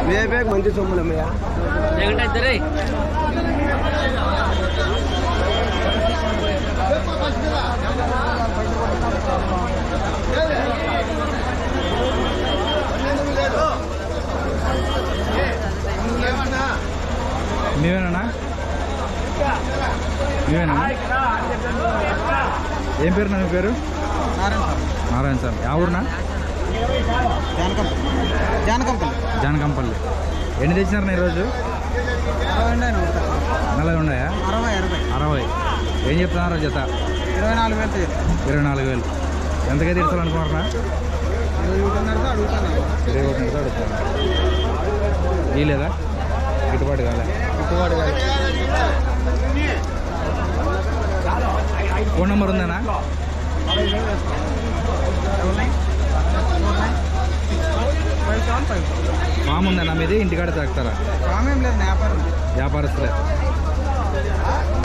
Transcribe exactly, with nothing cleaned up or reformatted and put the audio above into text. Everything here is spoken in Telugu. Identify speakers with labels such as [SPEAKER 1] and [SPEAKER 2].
[SPEAKER 1] వేపేకి మంచి సొమ్ములమ్మయ్యా.
[SPEAKER 2] మీవేనా మీవేనా ఏం పేరు నా మీ పేరు? నారాయణ సార్. యా ఊరునా?
[SPEAKER 1] జానకంపల్లి.
[SPEAKER 2] జానకంపల్లి. ఎన్ని తెచ్చినారు ఈరోజు? నలభై ఉన్నాయా?
[SPEAKER 1] అరవై అరవై
[SPEAKER 2] అరవై. ఏం చెప్తున్నారు జత?
[SPEAKER 1] ఇరవై నాలుగు వేలు.
[SPEAKER 2] ఇరవై నాలుగు వేలు. ఎంతగా తీర్చాలనుకున్నారా? ఇరవై ఒకటి అడుగుతాను. ఈ లేదా గిట్టుబాటు కాలే?
[SPEAKER 1] గిట్టుబాటు కాదు.
[SPEAKER 2] Phone number ఉందేనా? ఫామ్ ఉందన్నా మీది? ఇంటికాడ తాగుతారా?
[SPEAKER 1] ఫామ్ ఏం లేదు, వ్యాపారం.
[SPEAKER 2] వ్యాపారస్తులే.